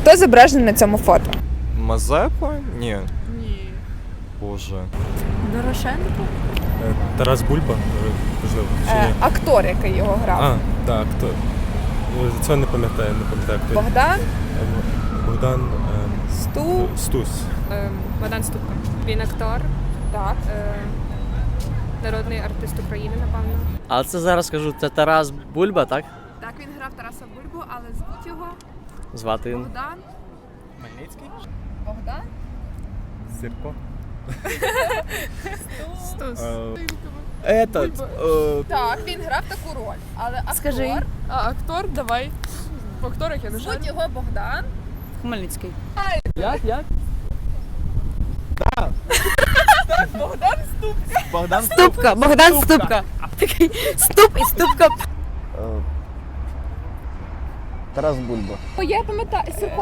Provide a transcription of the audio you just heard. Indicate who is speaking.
Speaker 1: Хто зображений на цьому фото?
Speaker 2: Мазепа? Ні.
Speaker 3: Ні.
Speaker 2: Боже.
Speaker 3: Дорошенко?
Speaker 4: Тарас Бульба, можливо, чи ні?
Speaker 1: Актор, який його грав.
Speaker 4: А, так, хто? Це не пам'ятаю хто.
Speaker 1: Богдан
Speaker 4: Богдан Стус.
Speaker 3: Богдан Ступка. Він актор,
Speaker 1: Так.
Speaker 3: народний артист України, напевно.
Speaker 5: Але це зараз скажу, це Тарас Бульба, так?
Speaker 3: Так, він грав Тараса Бульбу, але звуть його
Speaker 5: Звати він.
Speaker 3: Богдан.
Speaker 4: Хмельницький?
Speaker 1: Богдан?
Speaker 4: Сірко?
Speaker 3: Стус.
Speaker 1: Так, він грав таку роль. Але актор,
Speaker 3: Скажи. А актор, давай. В акторах я не
Speaker 1: звуть його Богдан.
Speaker 3: Хмельницький.
Speaker 5: Як?
Speaker 3: Ступка, Богдан Ступка. Такий ступ і ступка.
Speaker 6: Тарас Бульба.
Speaker 1: Я пам'ятаю,